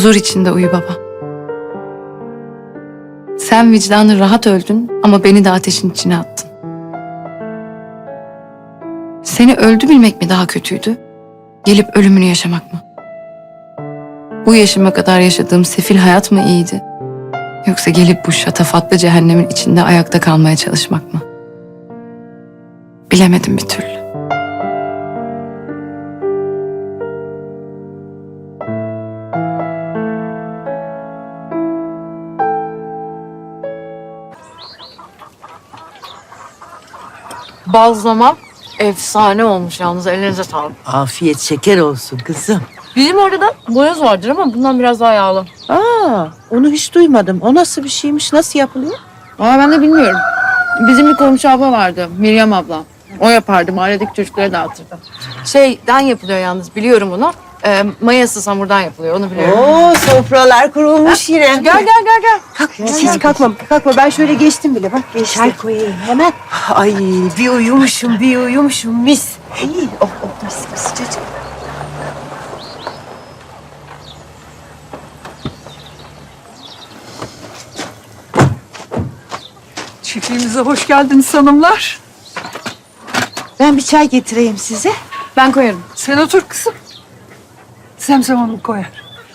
Huzur içinde uyu baba. Sen vicdanı rahat öldün ama beni de ateşin içine attın. Seni öldü bilmek mi daha kötüydü? Gelip ölümünü yaşamak mı? Bu yaşıma kadar yaşadığım sefil hayat mı iyiydi? Yoksa gelip bu şatafatlı cehennemin içinde ayakta kalmaya çalışmak mı? Bilemedim bir türlü. Bazlama efsane olmuş yalnız, elinize sağlık. Afiyet şeker olsun kızım. Bizim orada da boyoz vardır ama bundan biraz daha yağlı. Aa, onu hiç duymadım. O nasıl bir şeymiş? Nasıl yapılıyor? Aa, ben de bilmiyorum. Bizim bir komşu abla vardı, Meryem abla. O yapardı, mahalledeki çocuklara dağıtırdı. Şeyden yapılıyor yalnız, biliyorum onu. Mayasız hamurdan yapılıyor, onu biliyorum. Oo, sofralar kurulmuş yine. Gel. Kalk, hiç kalkma. Ben şöyle geçtim bile. Bak geçtim. Çay koyayım hemen. Ay, bir uyumuşum mis. İyi, oh, mis sıcacık. Çiftliğimize hoş geldiniz hanımlar. Ben bir çay getireyim size. Ben koyarım. Sen otur kızım. Zemzem Hanım koyar.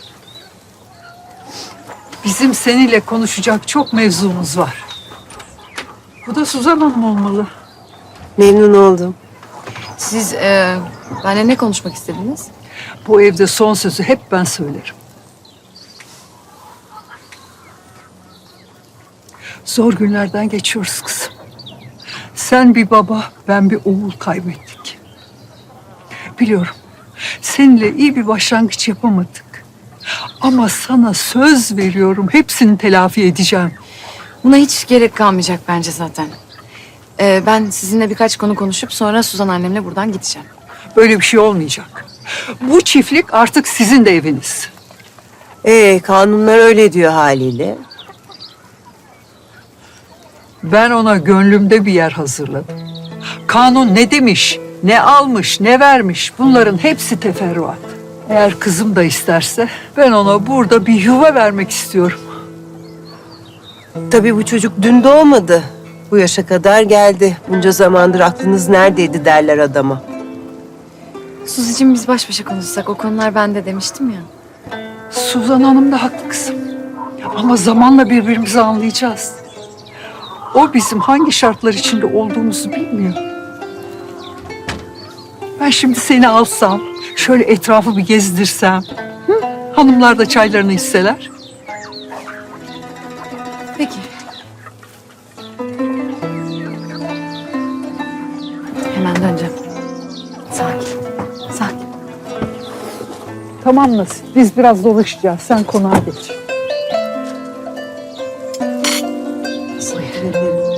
Bizim seninle konuşacak çok mevzumuz var. Bu da Suzan Hanım olmalı. Memnun oldum. Siz benimle ne konuşmak istediniz? Bu evde son sözü hep ben söylerim. Zor günlerden geçiyoruz kızım. Sen bir baba, ben bir oğul kaybettik. Biliyorum, seninle iyi bir başlangıç yapamadık. Ama sana söz veriyorum, hepsini telafi edeceğim. Buna hiç gerek kalmayacak bence zaten. Ben sizinle birkaç konu konuşup sonra Suzan annemle buradan gideceğim. Böyle bir şey olmayacak. Bu çiftlik artık sizin de eviniz. Kanunlar öyle diyor haliyle. Ben ona gönlümde bir yer hazırladım. Kanun ne demiş, ne almış, ne vermiş bunların hepsi teferruat. Eğer kızım da isterse ben ona burada bir yuva vermek istiyorum. Tabii bu çocuk dün doğmadı. Bu yaşa kadar geldi. Bunca zamandır aklınız neredeydi derler adama. Suzi'cim biz baş başa konuşsak, o konular bende demiştim ya. Suzan Hanım da haklı kızım. Ama zamanla birbirimizi anlayacağız. O bizim hangi şartlar içinde olduğumuzu bilmiyor. Ben şimdi seni alsam, şöyle etrafı bir gezdirsem, hanımlar da çaylarını içseler. Peki. Hemen döneceğim. Sakin. Tamam Nasip, biz biraz dolaşacağız. Sen konağa geç. Teşekkür ederim.